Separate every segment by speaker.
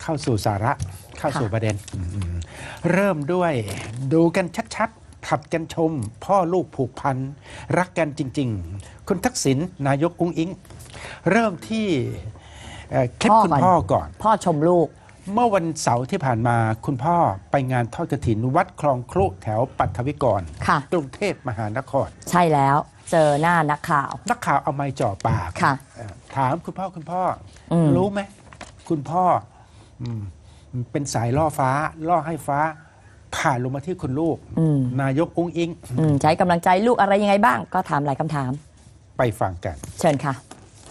Speaker 1: เข้าสู่สาระเข้าสู่ประเด็นเริ่มด้วยดูกันชัดๆผัดกันชม พ่อลูกผูกพันรักกันจริงๆคุณทักษิณนายกอุ๊งอิ๊งเริ่มที่คลิปคุณพ่อก่อน
Speaker 2: พ่อชมลูก
Speaker 1: เมื่อวันเสาร์ที่ผ่านมาคุณพ่อไปงานทอดกฐินวัดคลองครุแถวปัทวิกรกรุงเทพมหานคร
Speaker 2: ใช่แล้วเจอหน้านักข่าว
Speaker 1: เอาไม้จ่อปากถามคุณพ่อรู้ไหมคุณพ่อเป็นสายล่อฟ้าล่อให้ฟ้าผ่านลงมาที่คุณลูกนายกอุ๊งอิ๊ง
Speaker 2: ใช้กำลังใจลูกอะไรยังไงบ้างก็ถามหลายคำถาม
Speaker 1: ไปฟังกัน
Speaker 2: เชิญค่ะ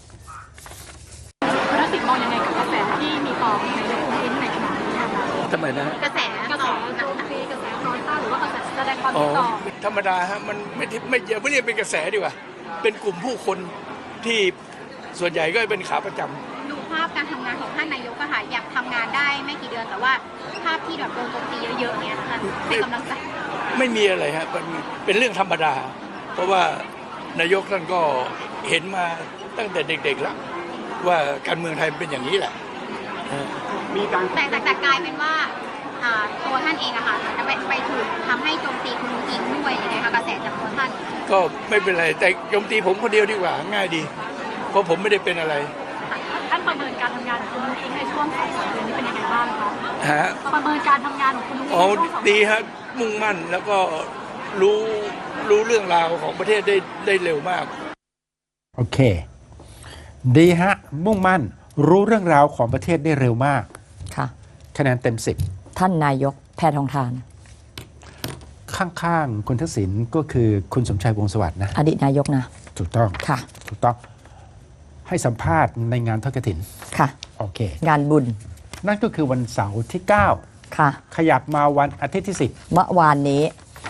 Speaker 3: คุณทักษิณมองยังไงกับกระแสที่มีต่อนายกอุ๊งอิ๊งในขณะนี้คะ
Speaker 4: ทำไมนะ
Speaker 3: กระแสโจมตีกระแสน้อยต้านหรือว่ากระแสแสดงความคิดต่อ
Speaker 4: ธรรมดาฮะมันไม่อย่าไม่เรียกเป็นกระแสดีกว่าเป็นกลุ่มผู้คนที่ส่วนใหญ่ก็เป็นขาประจำ
Speaker 3: ดูภาพการทำงานของท่านนายกอะค่ะอยากทำงานได้ไม่กี่เดือนแต่ว่าภาพที่แบบโดนโจมตีเยอะๆเนี่ยค่ะให้กำลังใจ
Speaker 4: ไม่มีอะไรฮะเป็นเรื่องธรรมดาเพราะว่านายกท่านก็เห็นมาตั้งแต่เด็กๆแล้วว่าการเมืองไทยเป็นอย่างนี้แหละ
Speaker 3: มีการแต่กลายเป็นว่าตัวท่านเองอะค่ะจะไปถูกทำให้โจมตีคุณอุ๊งอิ๊งด้วยนะคะกระแสจากตัวท่าน
Speaker 4: ก็ไม่เป็นไรแต่โจมตีผมคนเดียวดีกว่าง่ายดีเพราะผมไม่ได้เป็นอะไร
Speaker 3: ท่านประเมินการทำงานของคุณอุ๊งอิ๊งในช่วง2 เดือนนี้เป็นยังไงบ้างคะประเมินการทำงานของคุณอุ๊งอิ๊งในช่วง2 เดือน
Speaker 4: ดีฮะมุ่งมั่นแล้วก็รู้เรื่องราวของประเทศได้เร็วมาก
Speaker 1: โอเคดีฮะมุ่งมั่นรู้เรื่องราวของประเทศได้เร็วมาก
Speaker 2: ค่ะ
Speaker 1: คะแนนเต็ม10
Speaker 2: ท่านนายกแพทองธาร
Speaker 1: ข้างๆคุณทักษิณก็คือคุณสมชายวงศ์สวัสดิ์นะ
Speaker 2: อดีตนายกนะ
Speaker 1: ถูกต้อง
Speaker 2: ค่ะ
Speaker 1: ถูกต้องให้สัมภาษณ์ในงานทอดกฐิน
Speaker 2: ค่ะ
Speaker 1: โอเค
Speaker 2: งานบุญ
Speaker 1: นั่นก็คือวันเสาร์ที่9
Speaker 2: ค่ะ
Speaker 1: ขยับมาวันอาทิตย์ที่10
Speaker 2: เมื่อวานนี้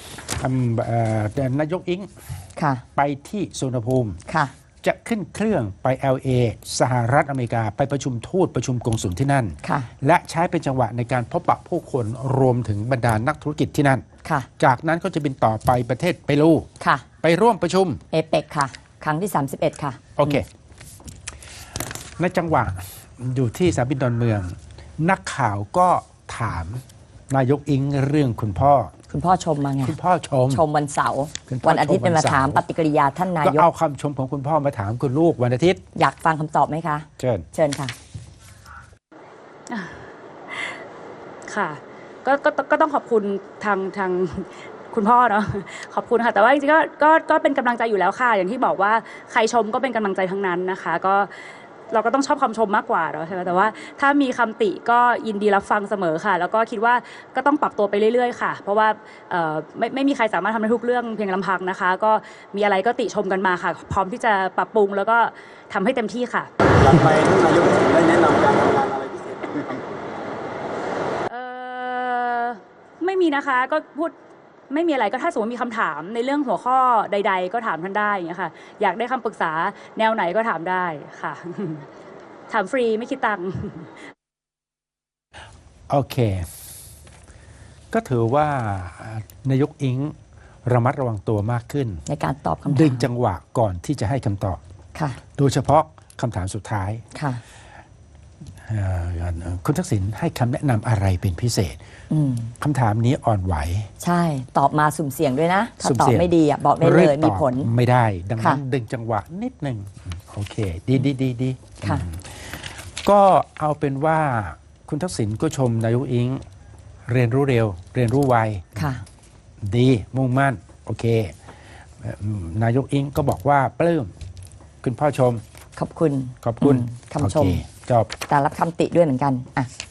Speaker 1: นายกอิ๊ง
Speaker 2: ค่ะ
Speaker 1: ไปที่สุวรรณภูมิ
Speaker 2: ค่ะ
Speaker 1: จะขึ้นเครื่องไป LA สหรัฐอเมริกาไปประชุมทูตประชุมกงสุลที่นั่นและใช้เป็นจังหวะในการพบปะผู้คนรวมถึงบรรดานักธุรกิจที่นั่นจากนั้นก็จะบินต่อไปประเทศเปรูไปร่วมประชุม
Speaker 2: เอเปกค่ะครั้งที่31ค่ะ
Speaker 1: โอเคในจังหวะอยู่ที่สนามบินดอนเมืองนักข่าวก็ถามนายกอิ๊งเรื่องคุณพ่อ
Speaker 2: ชมมาไง
Speaker 1: คุณพ่อช
Speaker 2: มวันเสาร์วันอาทิตย์เป็นมาถามปฏิกิริยาท่านนายก
Speaker 1: ก็เอาคำชมของคุณพ่อมาถามคุณลูกวันอาทิตย์
Speaker 2: อยากฟังคำตอบไหมคะ
Speaker 1: เชิญ
Speaker 2: ค่ะ
Speaker 3: ค่ะก็ต้องขอบคุณทางคุณพ่อเนาะขอบคุณค่ะแต่ว่าจริงๆก็เป็นกำลังใจอยู่แล้วค่ะอย่างที่บอกว่าใครชมก็เป็นกำลังใจทั้งนั้นนะคะก็เราก็ต้องชอบคำชมมากกว่าเนาะใช่ไหมแต่ว่าถ้ามีคำติก็ยินดีรับฟังเสมอค่ะแล้วก็คิดว่าก็ต้องปรับตัวไปเรื่อยๆค่ะเพราะว่าไม่มีใครสามารถทำได้ทุกเรื่องเพียงลำพังนะคะก็มีอะไรก็ติชมกันมาค่ะพร้อมที่จะปรับปรุงแล้วก็ทำให้เต็มที่ค่ะ
Speaker 5: หลังไปท่านนายกได้แนะนำการทำงานอะไรพิเศษไหมครับ
Speaker 3: ไม่มีนะคะก็พูดไม่มีอะไรก็ถ้าสมมติมีคำถามในเรื่องหัวข้อใดๆก็ถามท่านได้อย่างเงี้ยค่ะอยากได้คำปรึกษาแนวไหนก็ถามได้ค่ะถามฟรีไม่คิดตังค์
Speaker 1: โอเคก็ถือว่านายกอิ๊งระมัดระวังตัวมากขึ้น
Speaker 2: ในการตอบคำถาม
Speaker 1: ดึงจังหวะก่อนที่จะให้คำตอบ
Speaker 2: ค่ะ
Speaker 1: โดยเฉพาะคำถามสุดท้าย
Speaker 2: ค่ะ
Speaker 1: คุณทักษิณให้คำแนะนำอะไรเป็นพิเศษคำถามนี้อ่อนไหว
Speaker 2: ใช่ตอบมาสุ่มเสี่ยงด้วยนะถ้าตอบไม่ดีบอกได้เลยมีผล
Speaker 1: ไม่ได้ดังนั้นดึงจังหวะนิดหนึ่งโอเคดี
Speaker 2: ค่ะ
Speaker 1: ก็เอาเป็นว่าคุณทักษิณก็ชมนายกอิ๊งเรียนรู้เร็วเรียนรู้ไว
Speaker 2: ค่ะ
Speaker 1: ดีมุ่งมั่นโอเคนายกอิ๊งก็บอกว่าปลื้มคุณพ่อชม
Speaker 2: ขอบคุณ
Speaker 1: คำชม
Speaker 2: แต่รับคำติด้วยเหมือนกันอ่ะ